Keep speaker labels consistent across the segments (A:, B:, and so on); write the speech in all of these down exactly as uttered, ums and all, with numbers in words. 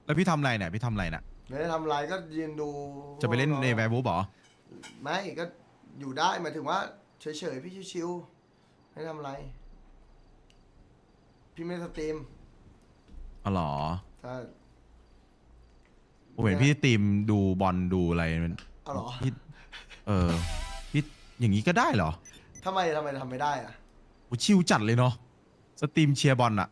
A: แล้วพี่ทำอะไรเนี่ยพี่ทำอะไรน่ะ
B: ไม่ได้ทำอะไรก็ยืนดู
A: จะไปเล่นในแวร์บูฟเหรอ
B: ไม่ก็อยู่ได้หมายถึงว่าเฉยๆพี่ชิวๆไม่ทำอะไร พี่ไม่ได้สตรีม
A: อ๋อเหรอ
B: ถ้า
A: ผมเห็นพี่ตีมดูบอลดูอะไรมัน
B: เอาเหรอ
A: พี่เออพี่อย่างนี้ก็ได้เหรอ
B: ทำไมทำไมทำไม่ได้อะ
A: โอ้ชิวจัดเลยเนาะสตรีมเชียร์บอลอะ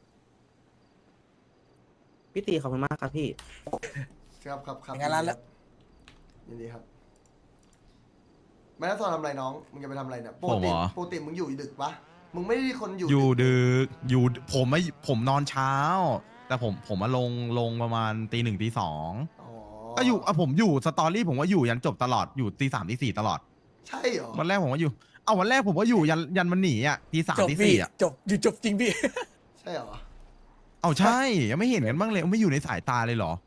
C: พี่ตีขอบคุณมากครับพี่
B: ครับครับครับ
D: อย่างนั้นแล้ว
B: ยินดีครับไม่ได้ตอนทำอะไรน้องมึงจะไปทำอะไรเนี่ยป
A: ผ
B: ก
A: ม
B: ติ
A: เหรอ
B: ปกติมึงอยู่ดึกปะมึงไม่ได้คนอยู่
A: อยู่
B: ดึ
A: ดึกอยู่ผมไม่ผมนอนเช้า แต่ผมผมมาลงลงประมาณตีหนึ่งตีสอง
B: อ๋อ
A: ก็อยู่อ่ะผมอยู่สตอรี่ผมว่าอยู่ยันจบตลอดอยู่ตีสามตีสี่ตลอด
B: ใช่เหรอ
A: วันแรกผมก็อยู่ เอาวันแรกผมก็อยู่ยันยันมันหนีอ่ะตีสาม
D: จบ
A: ตี
D: พี่
A: สี่อ่ะ
D: จบอยู่จบจริงพี่
B: ใช่เหรอ
A: เอาใช่ยังไม่เห็นกันบ้างเลยไม่อยู่ในสายตาเลยเหรอ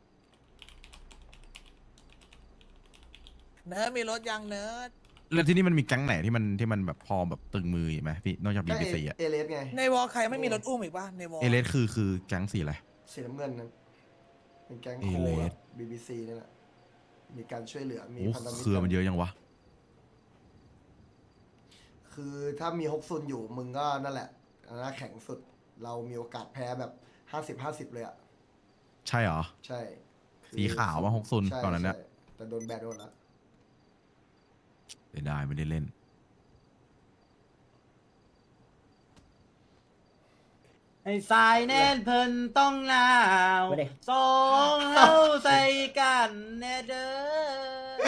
D: เนิร์ดมีรถยังเนิร์ด
A: แล้วที่นี่มันมีแก๊งไหนที่มันที่มันแบบพอแบบตึงมือไหมพี่นอกจากบี
B: ก็
A: บี
B: เอ
A: ซีอ่ะ
B: เอเลสไง
D: ในวอลใครไม่มีรถอุ้มอีกป่ะในวอล
A: เอเลสคือคือแก๊งสีอะไร
B: สีน้ำเงินนั้นเป็นแก๊ง
A: เอ
B: โค
A: เล
B: แบ
A: ส
B: บบีบีซีนี่แหละมีการช่วยเหลือมี
A: โอ้
B: พันธมิตร
A: เครือมันเยอะยังวะ
B: คือถ้ามีฮกซุนอยู่มึงก็นั่นแหละอันนั้นแข็งสุดเรามีโอกาสแพ้แบบห้าสิบห้าสิบเลยอ่ะ
A: ใช่เหรอ
B: ใช่คือ
A: สีขาวว่าฮกซุน
B: ใช่
A: ก่อนนั้นเนี่ย
B: ใช่แต่โดนแบนโดนแล้ว
A: เสียดายไม่ได้เล่น
C: ไอ้สายแน่นเพิ่นต้องหนาว
E: ไม่ได้
C: สองเฮาใส่กันแน่เด้อ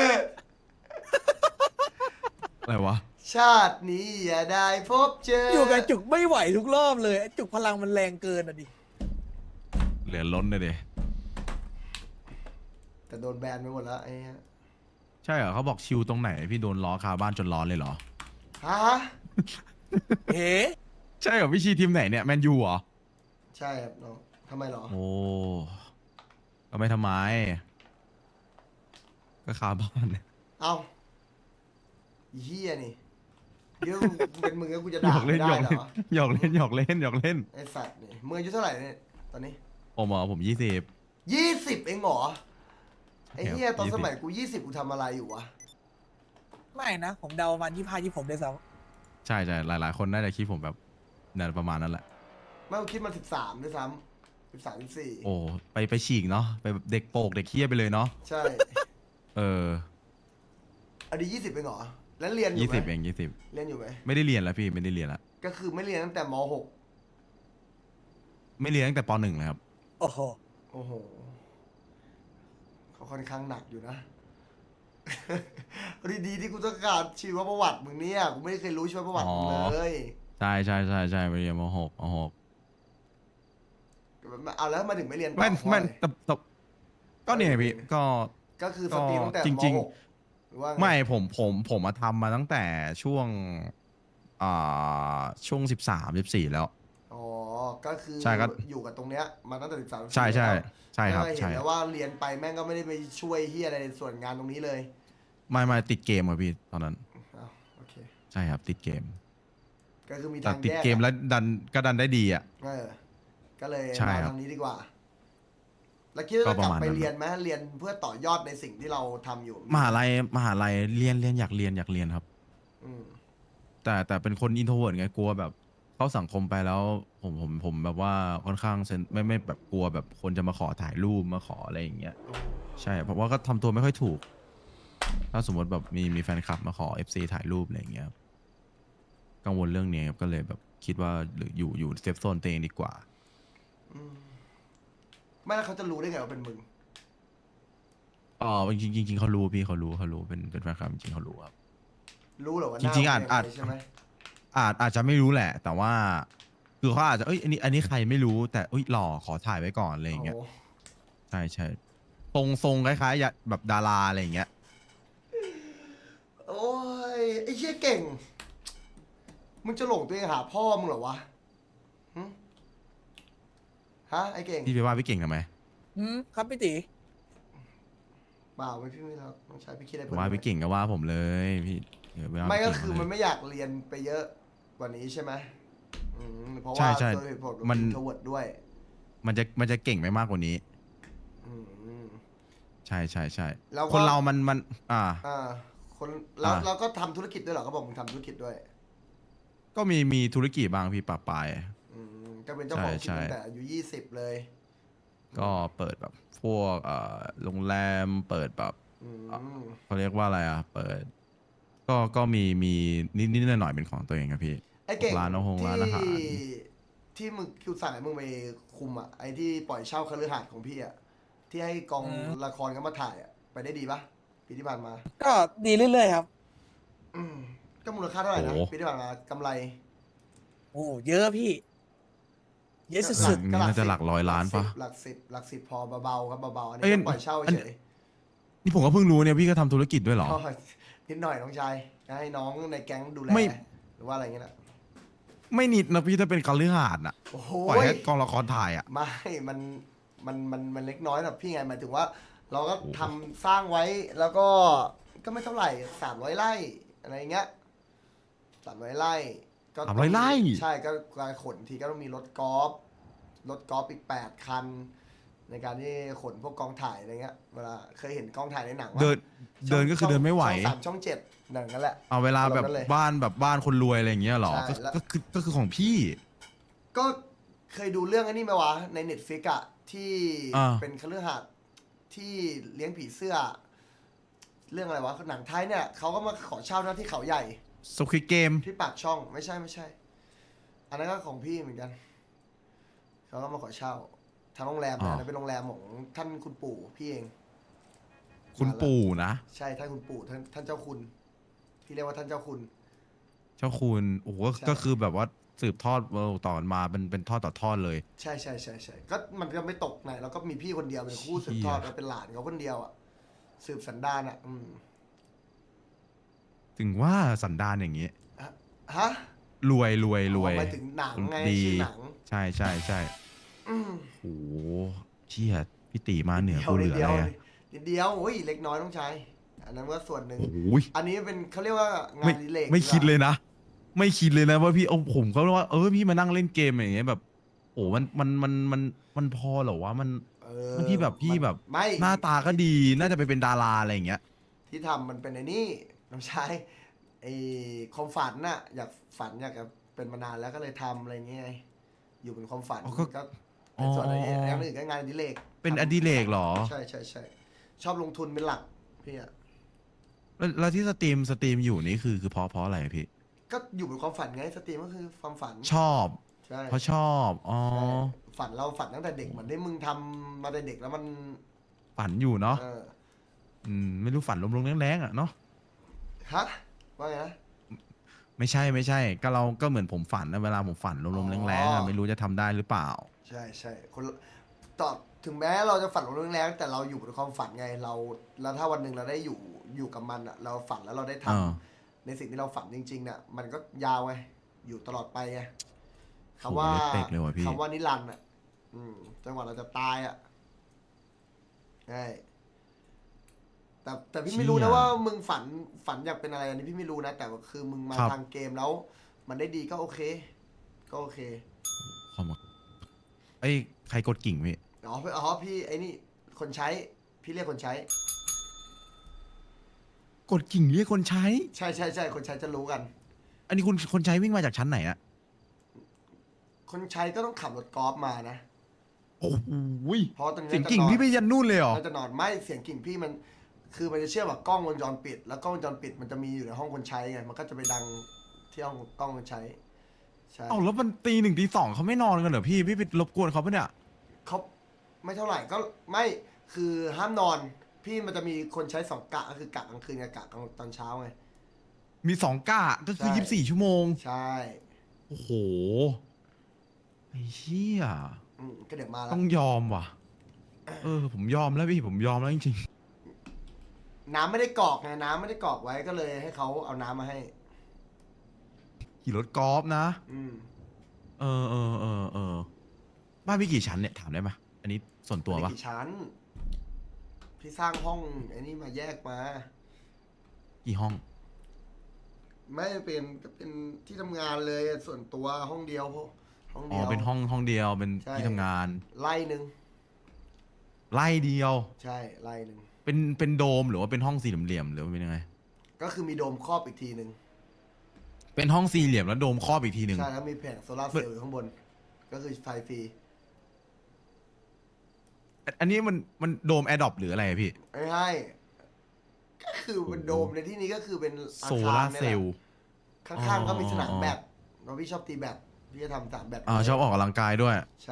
A: อะไรวะ
B: ชาตินี้อย่าได้พบเจอ
D: อ
B: อยู่
D: กับจุกไม่ไหวทุกรอบเลยไอ้จุกพลังมันแรงเกินอ่ะดิ
A: เหลือล้นเลยเด
B: แต่โดนแบนไปหมดแล้วไอ้เหี้ย
A: ใช่เหรอเขาบอกชิวตรงไหน พี่โดนล้อคาบ้านจนร้อนเลยเหรอ
B: ฮะ
D: เฮ้
A: ใช่เหรอพี่ชีทีมไหนเนี่ยแมนยูเหรอ
B: ใช่ครับน้องทำไมเหรอ
A: โอ้ก็ไม่ทำไม ก็คาบ้านเนี่ย
B: เอ้าอีเฮียนี่เดี๋ยวเป็นมึงก็กูจะ
A: หย
B: ด่า
A: อกเล่
B: ไม่
A: น
B: ได้
A: หยอก
B: เหร
A: เล่น
B: อ
A: หยอกเล่นหยอกเล่นหยอกเล่น
B: ไอสัตว์นี่มึงอายุเท่าไหร่เนี่ยตอนนี้
A: ผมเหรอผมยี่สิบ
B: ยี่สิบเองเหรอไอ้เฮีย
A: ครับ
B: ตอน
A: ยี่สิ
B: ส
A: บ
B: มัยกูยี่สิบกูทำอะไรอยู่วะ
D: ไม่นะ ผมเดาประมาณยี่ห้ายี่ผมได้ซ้
A: ใช่ใช่หลาย ๆ คนน่าจะคิดผมแบบนั่นประมาณนั้นแหละ
B: ไม่กูคิดมาสิบสามด้วยซ้ำสิบสามสิบสี่
A: โอ้ไปไปฉีกเนาะไปแบบเด็กโปกเด็กเคี้ยไปเลยเนาะ
B: ใช่
A: เออ
B: อันนี้ยี่สิบเองเหรอแล้วเรียนอยู่
A: ยี่
B: ไหม
A: สิบเองยี่สิบ
B: เรียนอยู่ไหม
A: ไม่ได้เรียนแล้วพี่ไม่ได้เรียนแล้ว
B: ก็คือไม่เรียนตั้งแต่มหก
A: ไม่เรียนตั้งแต่ปหนึ่งเลยครับ
D: ำโอ้โห
B: โอ้โหเขาค่อนข้างหนักอยู่นะ ดีๆที่กูต้องการชีวประวัติมึงเนี่ยกูไม่ได้เคยรู้ชีวประวัติมึง
A: อ๋อ
B: เลย
A: ใช่ใช่ใช่ใช่ไปเรียนมหกมหก
B: เอาแล้วทำมาถึงไม่เรียนต่อ
A: ไม่
B: เพราะ
A: ไม่
B: อะไร
A: แต่แต่ก็เนี่ยพี่ก็
B: ก็คือสตรีมตั้งแต่
A: จ
B: ม
A: ริงๆ
B: หกหรือว่าง
A: ไม่ผมผมผมมาทำมาตั้งแต่ช่วงอ่าช่วงสิบสามสิบสี่แล้ว
B: อ๋อก็คือ
A: ใช่ครับ
B: อยู่กับตรงเนี้ยมาตั้งแต่สิบสาม
A: ใช่ใช่ใช่ครับ
B: เห็น
A: ใช่
B: แล้วว่าเรียนไปแม่งก็ไม่ได้ไปช่วยเฮียอะไรในส่วนงานตรงนี้เลย
A: ไม่ไม่ติดเกมอะพี่ตอนนั้น
B: อ้าวโอเค
A: ใช่ครับติดเกม
B: ก็คือมี
A: แต่
B: ทาง
A: ติด
B: แยก
A: เกม
B: อะ
A: แล้วดันก็ดันได้ดีอ่ะ
B: เออก็เลย
A: ใช่
B: มา
A: ครับ
B: ทางนี้ดีกว่า แล้วคิดว่า
A: ก็
B: จะ
A: ป
B: ก
A: ระ
B: ลับ
A: มาณ
B: ไป
A: นั้น
B: เรียนไหมเรียนเพื่อต่อยอดในสิ่งที่เราทำอยู่
A: มหาลัยมหาลัยเรียนเรียนอยากเรียนอยากเรียนครับ
B: อืม
A: แต่แต่เป็นคนอินโทรเวิร์ดไงกลัวแบบเข้าสังคมไปแล้ว ผมผมผมแบบว่าค่อนข้างเซนไม่ไม่แบบกลัวแบบคนจะมาขอถ่ายรูปมาขออะไรอย่างเงี้ยใช่เพราะว่าก็ทำตัวไม่ค่อยถูก ถ้าสมมติแบบมีมีแฟนคลับมาขอ เอฟ ซี ถ่ายรูปอะไรอย่างเงี้ยครับกังวลเรื่องนี้ครับก็เลยแบบคิดว่าหรืออยู่อยู่เซฟโซนตัวเองดีกว่า
B: อืมไม่แล้วเขาจะรู้ได้ไงว่าเป็นมึง
A: อ๋อจริงๆจริงๆเขารู้พี่เขารู้เขารู้เป็นเป็นแฟนคลับจริงๆเขารู้ครับ
B: รู้เหรอว่าห
A: จ
B: น้า
A: ริงๆ
B: มึ
A: อาจ
B: เป็น
A: อาจ
B: ไงใช่ไหม
A: อาจอาจจะไม่รู้แหละ แต่ว่า คือเขาอาจจะเอ้ยอันนี้อันนี้ใครไม่รู้แต่เอ้ยหล่อขอถ่ายไว้ก่อนอะไรอย่างเงี้ย
B: โอ้
A: ใช่ใช่ทรงทรงคล้ายๆแบบดาราอะไรอย่างเงี้ย
B: โอ้ยไอ้เชี่ยเก่ง มึงจะหลงตัวเองหาพ่อมึงเหรอวะหึฮะไอ้เก่ง
A: พี่ไปว่าพี่เก่งทำไม
D: อืมครับพี่ตี
B: เปล่าไม่พี่ไม่รับต้องใช้พี่คิดอะไร
A: ผม
B: เพิ่ม
A: ว่าพี่เก่งก็ว่าผมเลยพี่เดี๋ยวปว่า
B: ไม่ก็
A: พี่เง
B: คือ
A: เลย
B: มันไม่อยากเรียนไปเยอะกว่านี้ใช่ไหมอืมเพราะ
A: ใช่
B: ว่า
A: ใช่
B: โดยเหตุผล
A: มัน
B: ทวดด้วย
A: มันจะมันจะเก่งไม่มากกว่านี้
B: อืม
A: ใช่ใช่ใช่
B: แล้วก็
A: คนเรามันมันอ่า
B: อ่าคนแล้ว
A: อ่า
B: เราก็ทำธุรกิจด้วยเหรอเขาบอกมึงทำธุรกิจด้วย
A: ก็มีมีธุรกิจบางพี่ปะปาย
B: อืมก็เป็นเจ้าของกิน
A: ใช่
B: ตั้งแต่อายุยี่สิบเลย
A: ก็เปิดแบบพวกเอ่อโรงแรมเปิดแบบ
B: อืม
A: เขาเรียกว่าอะไรอ่ะ เปิด ก็ก็มีมีนิดนิดหน่อยหน่อยๆเป็นของตัวเองครับพี่
B: ไอ้เก่ง
A: ร้านอาหารร้านอาหาร
B: ที่ที่มึงคิวสั่งให้มึงไปคุมอ่ะไอ้ที่ปล่อยเช่าคฤหาสน์ของพี่อ่ะที่ให้กองละครเขามาถ่ายอ่ะไปได้ดีปะปีที่ผ่านมา
D: ก็ดีเรื่อยๆครับ
B: อืมก็มูลค่าเท่าไหร่นะ
A: โอ้
B: ปีที่ผ่านมากำไร
D: โอ้เยอะพี่ เยอะ
B: ก็
D: สุด
A: นี่น่าจะหลักร้อยล้านปะ
B: หลักสิบหลักสิบพอเบาๆครับเบาๆอัน
A: เอ้
B: นี้
A: ย
B: ก็ปล่อยเช่า
A: อัน
B: เฉย
A: นี่ผมก็เพิ่งรู้เนี่ยพี่ก็ทำธุรกิจด้วยเหรอ
B: ก็นิดหน่อยน้องชายจะให้น้องในแก๊งดูแล
A: ไม่
B: หรือว่าอะไรเงี้ยนะ
A: ไม่นิดนะพี่ถ้าเป็นคฤหาสน์อ่ะ
B: โอ้โห
A: ปล่อยให้กองละครถ่ายอ่ะ
B: ไม่มันมันมันมันเล็กน้อยแบบพี่ไงหมายถึงว่า เราก็
A: โอ้โห
B: ทำสร้างไว้แล้วก็ก็ไม่เท่าไหร่สามร้อยไร่อะไรเงี้ยสามร้อยไร่ก็
A: สามร้อยไร่
B: ใช่ก็การขนทีก็ต้องมีรถกอล์ฟรถกอล์ฟอีกแปดคัน ในการที่ขนพวกกองถ่ายอะไรเงี้ยเวลาเคยเห็นกองถ่ายในหนังว่า
A: เดินเดินก็คือเดินไม่ไหว
B: ช่องสามช่องเจ็ดหนังนั่นแหละ
A: เอาเวลาแบบ
B: อารมณ์นั้นเลย
A: บ้านแบบบ้านคนรวยอะไรอย่างเงี้ยเหรอ
B: ใช่
A: ก็
B: แล้ว
A: ก็คือก็คือของพี่
B: ก็เคยดูเรื่องอันนี้ไหมวะในเน็ตฟิกอะที่
A: อ่า
B: เป็นคฤหาสน์ที่เลี้ยงผีเสื้อ เรื่องอะไรวะหนังไทยเนี่ยเขาก็มาขอเช่าหน้าที่เขาใหญ่
A: สควิดเกม
B: ที่ปากช่องไม่ใช่ไม่ใช่ อันนั้นก็ของพี่เหมือนกันเขาก็มาขอเช่าทางโรงแรม
A: อ๋
B: นะ
A: อ
B: อันนั้นเป็นโรงแรมของท่านคุณปู่พี่เอง
A: คุณปู่นะ
B: ใช่ท่านคุณปู่ท่านท่านเจ้าคุณพี่เรียกว่าท่านเจ้าคุณ
A: เจ้าคุณโอ้โห
B: ใช่
A: ก็คือแบบว่าสืบทอดเออต่อมาเป็นเป็นทอดต่อทอดเลย
B: ใช่ใช่ใช่ใช่ก็มันก็ไม่ตกไหนแล้วก็มีพี่คนเดียวเป็นคู่สืบทอด
A: เชี่ย
B: แล้วเป็นหลานเขาคนเดียวอ่ะสืบสันดานอ่ะ อืม
A: ถึงว่าสันดานอย่างงี้
B: ฮะ
A: รวยรวยรวย
B: อ๋อหมายถึงหนังไง
A: ดี
B: ชื่อหนัง
A: ใช่ใช่ใช่
B: อืม
A: โอ้โหเชี่ยพี่ตีมาเหนือ
B: เดียว
A: กูเหลือ
B: เดี
A: อะ
B: ยว
A: ไรอะ
B: นิดเดียวโอ้ยเล็กน้อยต้องใช้อันนั้นก็ส่วนหนึ่ง
A: โอ้โห
B: อันนี้เป็นเขาเรียกว่างา
A: ไม่
B: นอดิเลก
A: ไม่คิดเลยนะ ไม่คิดเลยนะว่าพี่เอาผมก็ว่าเออพี่มานั่งเล่นเกมอย่างเงี้ยแบบโอ้มันมันมันมันมันพอเหรอวะมัน
B: เออ
A: มันที่แบบพี่
B: มัน
A: แบบ
B: ไม่
A: หน้าตาก็ดีน่าจะไปเป็นดาราอะไรอย่างเงี้ย
B: ที่ทำมันเป็นไอ้นี่น้องชายไอ้ความฝันน่ะ อยากฝันอยากจะเป็นมานานแล้วก็เลยทำอะไรเงี้ยไงอยู่เป็นความฝัน
A: อ๋อก็
B: ก็เป็นส่วน
A: อ๋อ
B: อะไรอย่างอื่นก็งานอดิเลก
A: เป็นอดิเรกเหรอ
B: ใช่ใช่ใช่ชอบลงทุนเป็นหลักพี่อะ
A: แล้วแล้วที่สตรีมสตรีมอยู่นี่คือคือเพราะเพราะอะไรพี่
B: ก็อยู่เป็นความฝันไงสตรีมก็คือความฝัน
A: ชอบ
B: ใช่
A: เพราะชอบอ๋อ
B: ใช่ฝันเราฝันตั้งแต่เด็กเหมือนที่มึงทำมาแต่เด็กแล้วมัน
A: ฝันอยู่เนาะ
B: เออ
A: อืมไม่รู้ฝันลมๆแรงๆอ่ะเนาะ
B: ฮะว่าไงนะ
A: ไม่ใช่ไม่ใช่ ก็เราก็เหมือนผมฝันนะเวลาผมฝันลมๆแรงๆ
B: อ๋
A: อ่ะ
B: อ
A: ไม่รู้จะทำได้หรือเปล่า
B: ใช่ใช่คนละต่อถึงแม้เราจะฝันลงแรงๆแต่เราอยู่บนความฝันไงเรา แล้วถ้าวันหนึ่งเราได้อยู่อยู่กับมันอะเราฝันแล้วเราได้ทำ
A: อ่า
B: ในสิ่งที่เราฝันจริงๆเนี่ยมันก็ยาวไงอยู่ตลอดไปไง
A: โห
B: คำว่า
A: เล็กๆเลยว่ะพี่
B: คำว่านิรันดร์อ่ะ อืมจนกว่าเราจะตายอ่ะใช่แต่แต่พี่ไม่รู้นะว่ามึงฝันฝันอยากเป็นอะไรอันนี้พี่ไม่รู้นะ แต่ว่าคือมึงมาทางเกมแล้ว มันได้ดีก็โอเค ก็โอเค
A: ขอมาไอ้ยใครกดกิ่งพี่
B: อ๋ออ๋อพี่ไอ้นี่คนใช้ พี่เรียกคนใช้
A: กดกิ่งเรียกคนใช้
B: ใช่ใช่ใช่คนใช้จะรู้กัน
A: อันนี้คุณคนใช้วิ่งมาจากชั้นไหนอะ
B: คนใช้ก็ต้องขับรถกอล์ฟมานะ
A: โอ้โหย
B: เพราะตรงนี้
A: เสียงกิ่งพี่ไปยันนู่นเลยเหรอ
B: มันจะนอนไม่เสียงกิ่งพี่มัน คือมันจะเชื่อมกับกล้องวงจรปิด แล้วกล้องวงจรปิดมันจะมีอยู่ในห้องคนใช้ไงมันก็จะไปดังที่ห้องกล้องคนใช้ใช่
A: เอ้าแล้วมันตีหนึ่งตีสองเขาไม่นอนกันเหรอพี่พี่ไปรบกวนเขาปะเนี่ย
B: เขาไม่เท่าไหร่ก็ไม่คือห้ามนอน พี่มันจะมีคนใช้สองกะก็คือกะกลางคืนกับกะกลางตอนเช้าไง
A: มีสองกะก็คือ
B: ใช่
A: ยี่สิบสี่ชั่วโมง
B: ใช่
A: โอ้โหไอ้เชี่ย
B: อืมก็เดี๋ยวมาแล้
A: ต้
B: ว
A: องยอมว่ะ เออ ผมยอมแล้วพี่ผมยอมแล้วจริง
B: น้ำไม่ได้กรอกไงน้ำไม่ได้กรอกไว้ก็เลยให้เขาเอาน้ำมาให้
A: ๆขี่รถกอล์ฟนะ
B: อืม
A: เออเออเออเออบ้านพี่กี่ชั้นเนี่ยถามได้ไหมอันนี้ส่วนตัว
B: ไม่
A: ปะ
B: ได้กี่ชั้น พี่สร้างห้องไอ้นี่มาแยกมา
A: กี่ห้อง
B: ไม่เป็นก็เป็นที่ทำงานเลยส่วนตัวห้องเดียวพวกห้อง
A: อ๋
B: เดี
A: อ
B: ยว
A: เป็นห้องห้องเดียวเป็น
B: ใช่
A: ที่ทำงาน
B: ไล่หนึ่ง
A: ไล่เดียว
B: ใช่ไล่หนึ่ง
A: เป็นเป็นโดมหรือว่าเป็นห้องสี่เหลี่ยมๆหรือว่าเป็นยังไง
B: ก็คือมีโดมครอบอีกทีหนึ่ง
A: เป็นห้องสี่เหลี่ยมแล้วโดมครอบอีกทีหนึ่ง
B: ใช่แล้วมีแผงโซลาร์เซลล์อยู่ข้างบน ก็คือไฟฟรี
A: อันนี้มันมันโดมแอร์ดรอปหรืออะไรอะพี่
B: ไม่ให้ก็คือเป็นโดมในที่นี้ก็คือเป็นอา
A: โซ
B: คาร
A: ลาร์
B: นี่
A: เซ
B: แห
A: ล
B: ละ
A: ล์
B: ข้างๆก็มีสนามแบดเพราะพี่ชอบตีแบดพี่จะทำสนามแบด
A: อ่าชอบออกกำลังกายด้วย
B: ใช่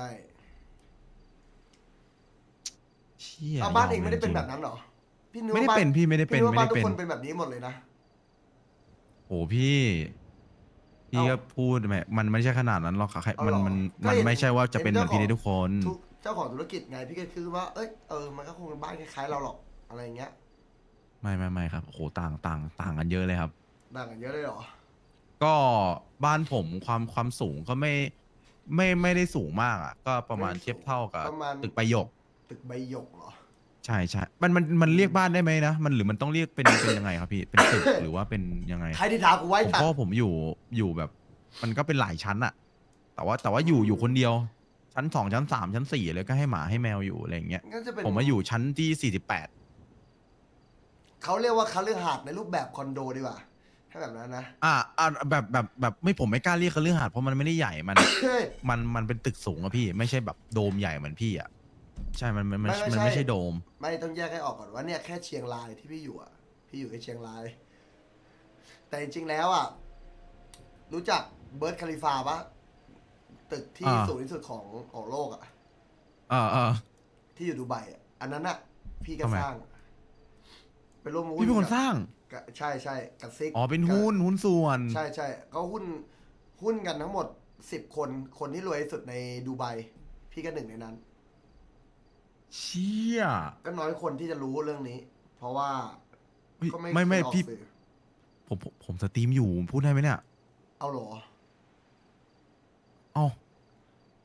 A: เชี่ย
B: เอาบ้านเอง
A: ย
B: ไม่ได้เป็น
A: จริ
B: แบบนั้นเหรอพี่นึก
A: ไม่ได้
B: ว่าบ้า
A: เป็นพี่ไม่ได้เป็น
B: พี่นึกว่าบ้าน
A: ไม่ได้
B: ทุก
A: เป็น
B: คนเป็นแบบนี้หมดเลยนะ
A: โอ้พี่พี่
B: เอ้า
A: ก็พูดแหมมันไม่ใช่ขนาดนั้นหรอกค่ะใคร
B: เอา
A: มัน
B: เหรอ
A: มัน
B: ก็
A: มัน
B: เห็น
A: ไม่ใช่ว่าจะ
B: เห็น
A: เป็นเหมือนพี่ได้
B: เจ้า
A: ทุกคน
B: ทุกเจ้าของธุรกิจไงพี่ก็คือว่าเอ้ยเออมันก็คงเป็นบ้านคล้ายๆเราหรอกอะไรอย่างเงี้ย
A: ไม่ไม่ไม่ครับโอ้โหต่างต่างต่างกันเยอะเลยครับ
B: ต่างกันเยอะเลยเหรอ
A: ก็บ้านผมความความสูงก็ไม่ไม่ไม่ได้สูงมากอ่ะ ก็ประมาณ
B: ไม่สูง
A: เทียบเท่ากับ
B: ประมาณ
A: ตึกประโยค
B: ตึกใบหยกเหรอ
A: ใช่ใช่มันมันมันเรียกบ้านได้ไหมนะมันหรือมันต้องเรียกเป็นเป็นยังไงครับพี่ เป็นตึกหรือว่าเป็นยังไง
B: ใครที่ถามกูไว้
A: ผม
B: ตัด
A: ก็ผมอยู่อยู่แบบ มันก็เป็นหลายชั้นอะแต่ว่าแต่ว่าอยู่อยู่คนเดียว ชั้นสองชั้นสามชั้นสี่เลยก็ให้หมาให้แมวอยู่อะไรอย่างเงี้ย
B: งั้นจะเป็น
A: ผมมาอยู่ชั้นที่สี่สิบแปด
B: เขาเรียกว่าคฤหาสน์ในรูปแบบคอนโดดีกว่าถ้าแบบนั้นนะ
A: อ่าอ่าแบบแบบแบบไม่ผมไม่กล้าเรียกคฤหาสน์เพราะมันไม่ได้ใหญ่มัน
B: เฮ้ย
A: มันมันเป็นตึกสูงอะพี่ ไม่ใช่แบบโดมใหญ่เหมือนพี่อะใช่มันมันมัน
B: ไม่ไม่
A: มัน
B: ใช่
A: ไม่ใช่โดม
B: ไม่ต้องแยกให้ออกก่อนว่าเนี่ยแค่เชียงรายที่พี่อยู่อ่ะ พี่อยู่แค่เชียงราย แต่จริงๆแล้วอ่ะ รู้จักเบิร์ดคาลิฟาปะตึกที่
A: อ่า
B: สูงที่สุดของของโลกอ่ะ
A: อ่าอ่า
B: ที่อยู่ดูไบอ่ะ อันนั้นอ่ะ พี่ก็
A: ทำไม
B: สร้าง เป็นร่วมหุ้น
A: พี่เป็นคน
B: กับ
A: สร้าง
B: กับใช่ใช่กับซิก
A: อ๋อเป็น
B: กับ
A: หุ้นหุ้นส่วน
B: ใช่ใช่ก็หุ้นหุ้นกันทั้งหมดสิบคน คนที่รวยที่สุดในดูไบ พี่ก็หนึ่งในนั้น
A: เชี่ย
B: ก็น้อยคนที่จะรู้เรื่องนี้ เพราะว่า
A: เฮ้ย
B: ก็ไม่
A: ไม่ไม่
B: เคยออก
A: พี่
B: สื่อ
A: ผมผมผมสตรีมอยู่พูดได้ไหมเนี่ย
B: เอาเหรอ